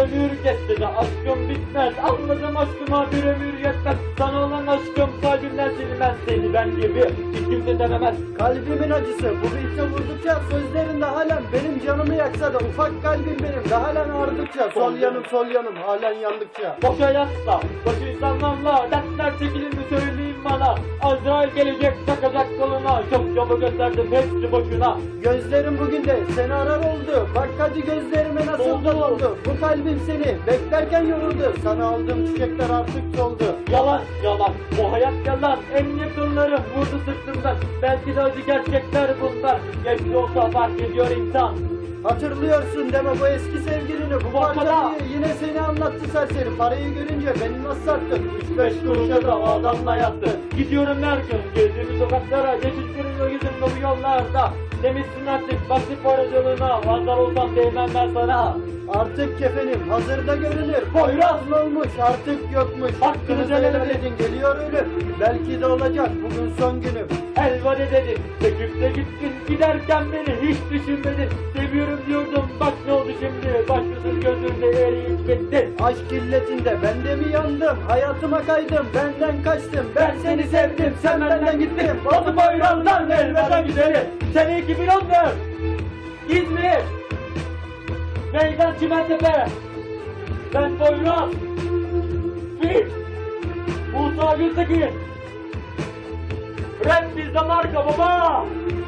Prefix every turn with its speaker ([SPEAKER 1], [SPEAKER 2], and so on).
[SPEAKER 1] ömür geçse de aşkım bitmez. Anladım aşkıma bir ömür yetmez. Sana olan aşkım kalbimden silinmez. Seni ben gibi hiç kimse denemez.
[SPEAKER 2] Kalbimin acısı bu biçe vurdukça sözlerinde halen benim canımı yaksa da ufak kalbim benim de halen ağrıdıkça sol yanım halen yandıkça.
[SPEAKER 1] Boşa yatsa, boş insanlarla dertler çekilir mi söyleyeyim bana. Azrail gelecek takacak koluna. Çok çabuk gösterdim hepsi boşuna.
[SPEAKER 2] Gözlerim bugün de seni arar oldu. Bak hadi gözlerime nasıl
[SPEAKER 1] Doldu.
[SPEAKER 2] doldu. Bu kalbim seni beklerken yoruldu. Sana aldığım çiçekler artık soldu.
[SPEAKER 1] Yalan yalan, bu hayat yalan. En yakınlarım vurdu sırtımdan. Belki de acı gerçekler bunlar. Geç de olsa fark ediyor insan.
[SPEAKER 2] Hatırlıyorsun deme bu eski sevgilini. Bu
[SPEAKER 1] Bakala.
[SPEAKER 2] parçayı yine seni anlattı serseri. Parayı görünce beni nasıl sattın?
[SPEAKER 1] 3-5 kuruşa da o adamla yattı. Gidiyorum her gün gezdiğimiz sokaklara. Geçiştiriyor yüzümde bu yollarda. Demişsin artık basit paracılığına. Vandal olsam değmem ben sana.
[SPEAKER 2] Artık kefenim hazırda görünür.
[SPEAKER 1] Poyraz
[SPEAKER 2] mı olmuş artık yokmuş.
[SPEAKER 1] Hakkınızı helal edin.
[SPEAKER 2] edin geliyor ölüm. Belki de olacak bugün son günüm.
[SPEAKER 1] Elvade dedin, çekip de gittin. Giderken beni hiç düşünmedin. Seviyorum diyordum, bak ne oldu şimdi. Başkasız gözümde eriyip bittin.
[SPEAKER 2] Aşk illetinde ben de mi yandım? Hayatıma kaydım benden kaçtım. Ben seni sevdim sen benden gittin.
[SPEAKER 1] Batı Poyraz'dan elveda güzeli. Sene 2014 İzmir Meydan Çimentepe. Ben Poyraz Fit Musa Gültekin. Rap bizde marka baba.